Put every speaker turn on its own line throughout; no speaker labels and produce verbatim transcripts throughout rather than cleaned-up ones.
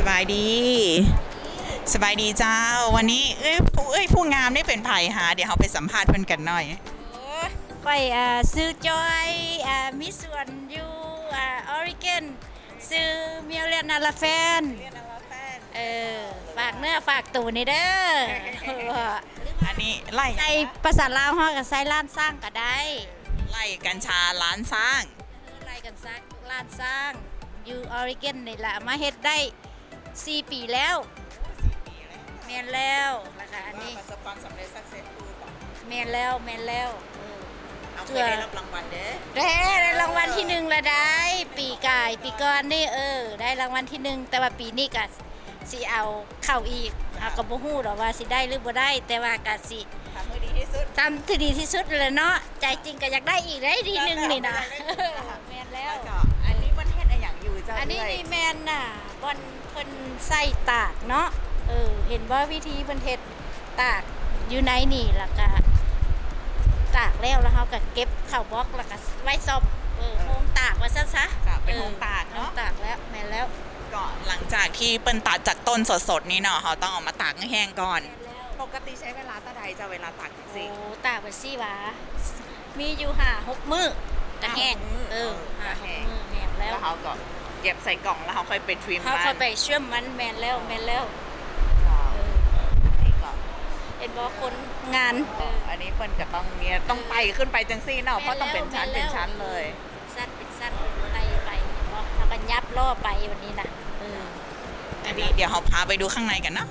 บายดีสบายดีเจ้าวันนี้เอ้ยผู้เอ้ยผู้งามได้เป็นไผ่หาเดี๋ยวเราไปสัมภาษณ์เพื่อนกันหน่อย
ไปอ่าซื้อจอยอ่ามีส่วนอยู่อ่าออริเกนซื้อเมียวเลียนนาลาแฟนเออฝากเนื้อฝากตัวนี่เด้อ
อันนี้ไล่
ใส่ภาษาลาวเฮาก็ใส่ล้านสร้างก็ได้
ไล่กัญชาล้านสร้าง
ไล่กันซักล้านสร้างอยู่ออริเกนนี่ล่ะมาเฮ็ดได้สี่ปีแล้วแม่นแล้วแล้วก็อันนี้
ประสบความสำเร็จสักเซสฟูลต่อ
แม่นแล้วแม่นแล้วเออ
เอาเคยได้รับรางวัลเด้อ
ได้ได้รางวัลที่หนึ่งละได้ปีกายปีก่อนนี่เออได้รางวัลที่หนึ่งแต่ว่าปีนี้ก็สิเอาเข้าอีกเอาก็บ่ฮู้ดอกว่าสิได้หรือบ่ได้แต่ว่าก็สิ
ทำให้ดีที่สุด
ทำที่ดีที่สุดเลยเนาะใจจริงก็อยากได้อีกได้ทีหนึงนี่นะแม่นแล้ว
แล้วก็อันนี้มันเฮ็ดอะไรอย่างอยู่เจ้า
อันนี้
เย
นี่แม่นน่ะบอนเพิ่นใส่ตากเนาะเออเห็นว่าวิธีเพิ่นเฮ็ดตากอยู่ในนี่แล้วก็ตากแล้วแล้วเฮาก็เก็บเข้าบล็อกแล้วก็ไว้ซอบเออโฮมตากว่าซั่นซะ
จะเป็นโฮมตาก
โฮ
เนาะ
มตากแล้วแม่นแล้ว
ก็หลังจากที่เปิ้นตัดจากต้นสดๆนี่เนาะเขาต้องเอามาตากให้แห้งก่อน
แม่นแล้ว
ปกติใช้เวลาเท่าใดจะเวลาตากจัง
โอ้
ซี่
ตากไปสิหวามีอยู่ห้าหกมื้อก็แห้ง
ห้าหกมื้อ
เออ
เออ
ห้า
ก็
ห
แห้
ก
ง
มื้อแห้งแล้
แล้ว วเขาก็เก็บใส่กล่องแล้วเขาค่อยไปทริม
เขา
มัน
เข้าไปเชื่อมมันแม่นแล้วแม่นแล้วเออ
นี่ก็
เห็นบ่คนงานเออ
อันนี้เปิ้นก็ต้องเนี่ยต้องไปขึ้นไปจังซี่เนาะเพราะต้องเป็นชั้นเป็นชั้นเลย
สั้นเป็นสั้นไปไปเพราะทำกันยับล่อไปวันนี้นะเออ
อันนี้เดี๋ยวเราพาไปดูข้างในกันนะ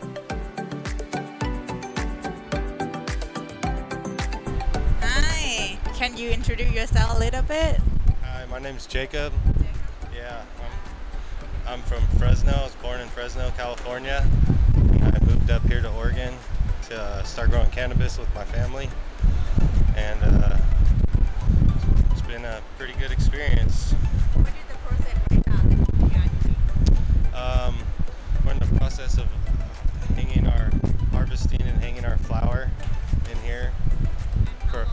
Hi can you introduce yourself a little bit
Hi, my name's Jacob. Yeah, I'm, I'm from Fresno. I was born in Fresno, California. I moved up here to Oregon to uh, start growing cannabis with my family, and uh, it's been a pretty good experience.
What is the process right now
Um, we're in the process of hanging our harvesting and hanging our flower in here. For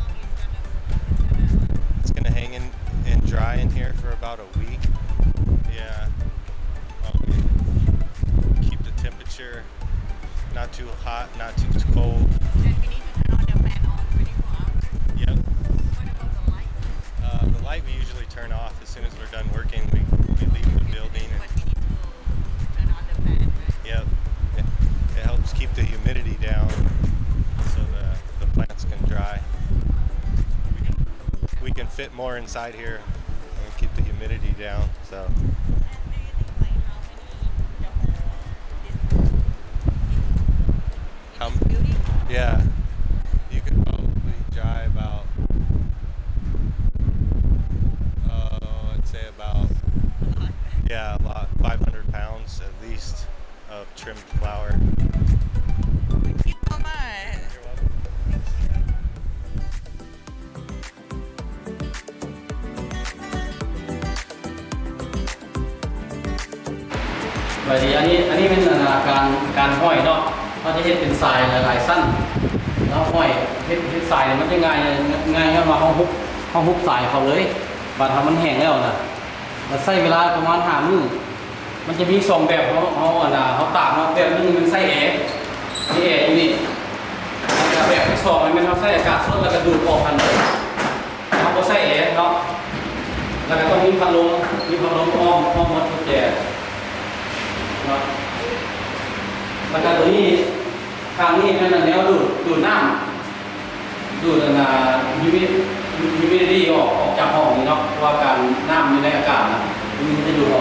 it's gonna hang in and dry in here for about a week. Yeah. While we keep the temperature not too hot, not too cold.
And we need to turn on the fan on twenty-four hours
Yep.
What about the light
Uh, the light we usually turn off as soon as we're done working. We, we leave the building.
But
And,
we need to turn on the fan right
yep. It, it helps keep the humidity down so the, the plants can dry. We can, we can fit more inside here and keep the humidity down. So how, yeah, you could probably dry about, uh, I'd say about, yeah, a lot, five hundred pounds at least of trimmed flour.
Thank you so much
You're welcome.
สวัสดีอันนี้อันนี้เป็นการการห้อยเนาะเขาจะเฮ็ดเป็นทรายหลายๆสั้นแล้วห้อยเฮ็ดเฮ็ดทรายมันจะง่ายง่ายเข้ามาห้องฮุบห้องฮุบทรายเขาเลยบัดทำมันแห้งแล้วนะมันใช้เวลาประมาณห้ามื้อมันจะมีสองแบบเขาเขาอ่ะนะเขาตากเนาะแบบนึงมันใส่แอร์นี่แอร์อยู่นี่แล้วแบบที่สองมันเป็นเขาใส่อากาศสดแล้วก็ดูดออกกันเลยเขาบ่ใส่แอร์เนาะแล้วก็ต้องมีพัดลมมีพัดลมอ้อมอ้อมหมดทุกแจเนาะแล้วก็ตัวนี้ทางนี้เป็นแนวดูดดูดน้ำดูดนะยูมิยูมิดี้ออกออกจากห้องนี่เนาะเพราะว่าการน้ำอยู่ในอากาศนะมันจะดูดออก